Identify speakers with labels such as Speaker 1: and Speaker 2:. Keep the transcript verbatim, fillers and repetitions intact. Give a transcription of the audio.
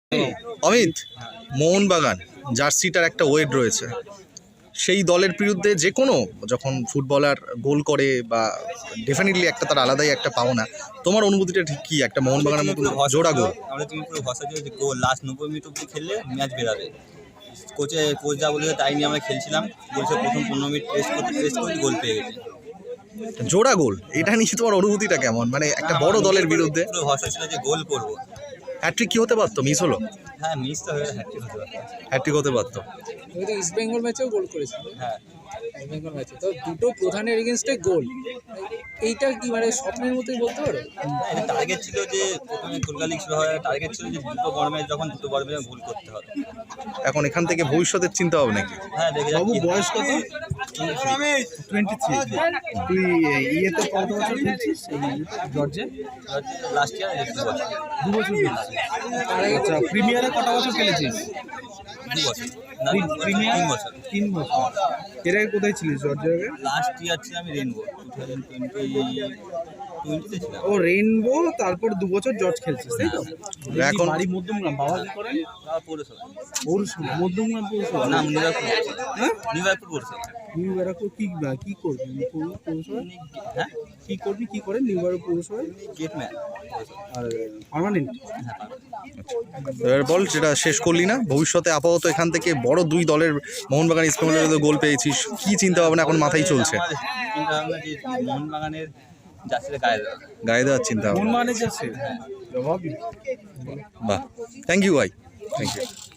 Speaker 1: অমিত, মোহনবাগান জার্সিটার একটা ওয়েট রয়েছে, সেই দলের বিরুদ্ধে যে কোনো যখন ফুটবলার গোল করে বা ডেফিনেটলি একটা তার আলাদাই একটা পাওনা, তোমার অনুভূতিটা ঠিক কি? একটা মোহনবাগানের মতো জোড়া গোল,
Speaker 2: আমরা তুমি পুরো ভরসা দিয়ে যে গোল লাস্ট নব্বই মিনিট অব্দি খেললে ম্যাচ বেরাবে। কোচে কোচ যা বলেছে তাই নিয়ে আমরা খেলছিলাম, বলছে প্রথম পনেরো মিনিট টেস্ট করতে টেস্ট করে গোল পেয়ে গেছি।
Speaker 1: জোড়া গোল, এটা নিয়ে তোমার অনুভূতিটা কেমন? মানে একটা বড় দলের বিরুদ্ধে
Speaker 2: পুরো ভরসা ছিল যে গোল করবো।
Speaker 1: হ্যাট্রিক কি হতে পারতো? মিস হলো,
Speaker 2: হ্যাঁ মিস তো হয়ে হ্যাট্রিক হতে পারতো।
Speaker 1: হ্যাট্রিক হতে পারতো।
Speaker 3: তুমি তো ইস্ট বেঙ্গল ম্যাচেও গোল করেছিল।
Speaker 2: হ্যাঁ
Speaker 3: ইস্ট বেঙ্গল ম্যাচে তো দুটো প্রধানের এগেনস্টে গোল, এইটা কি মানে স্বপ্নের মতোই বলতে পারো?
Speaker 2: এটা টার্গেট ছিল যে প্রথমে কলকাতা লিগ শুরু হয়, টার্গেট ছিল যে দুটো বড় ম্যাচ যখন দুটো বড় ম্যাচ গোল করতে হবে।
Speaker 1: এখন এখান থেকে ভবিষ্যতের চিন্তা হবে নাকি?
Speaker 2: হ্যাঁ দেখে
Speaker 4: বাবু
Speaker 2: যাচ্ছি।
Speaker 4: বয়স কত? Twenty three. তুই ইয়েতে কত বছর খেলছিস জর্জে?
Speaker 2: লাস্ট ইয়ার দু বছর
Speaker 4: দু বছর খেলছিস। আচ্ছা, প্রিমিয়ারে কত বছর খেলেছিস?
Speaker 2: দু বছর না
Speaker 4: প্রিমিয়ার
Speaker 2: তিন বছর।
Speaker 4: তিন বছর। এর আগে কোথায় ছিলিস জর্জের আগে?
Speaker 2: লাস্ট ইয়ার ছিল আমি রেনবো টু থাউজেন্ড টোয়েন্টি টোয়েন্টিতে ছিলাম।
Speaker 4: ও রেইনবো, তারপর দু বছর জর্জ খেলছিস তাই তো?
Speaker 1: এখন-
Speaker 4: এখন বাড়ি মধ্যমগ্রাম, বাবা কি করেন?
Speaker 2: তারপর পৌরসভা
Speaker 4: পৌরসভা, মধ্যমগ্রাম পৌরসভা।
Speaker 2: না নিউইয়র্ক
Speaker 4: হ্যাঁ,
Speaker 2: নিউইয়র্ক পৌরসভা।
Speaker 4: নিউ ব্যারাকপুর কি কি করবি পৌর- পৌরসভায়?
Speaker 2: হ্যাঁ
Speaker 4: কি করবি কি করেন নিউ ব্যারাকপুর পৌরসভায়?
Speaker 2: Gate man.
Speaker 4: আর পার্মানেন্ট?
Speaker 1: এবার বল, যেটা শেষ করলি না, ভবিষ্যতে আপাতত এখান থেকে বড় দুই দলের মোহনবাগান ইস্ট বেঙ্গলের বিরুদ্ধে গোল পেয়েছিস, কি চিন্তা ভাবনা এখন মাথায় চলছে?
Speaker 2: চিন্তা ভাবনা যে মোহনবাগানের জার্সিতে গায়ে দেওয়া।
Speaker 1: গায়ে দেওয়ার চিন্তা
Speaker 4: কোন
Speaker 1: ভাবনা।
Speaker 4: মানে যাচ্ছে জবাবই।
Speaker 1: বাহ, থ্যাংক ইউ ভাই, থ্যাংক ইউ।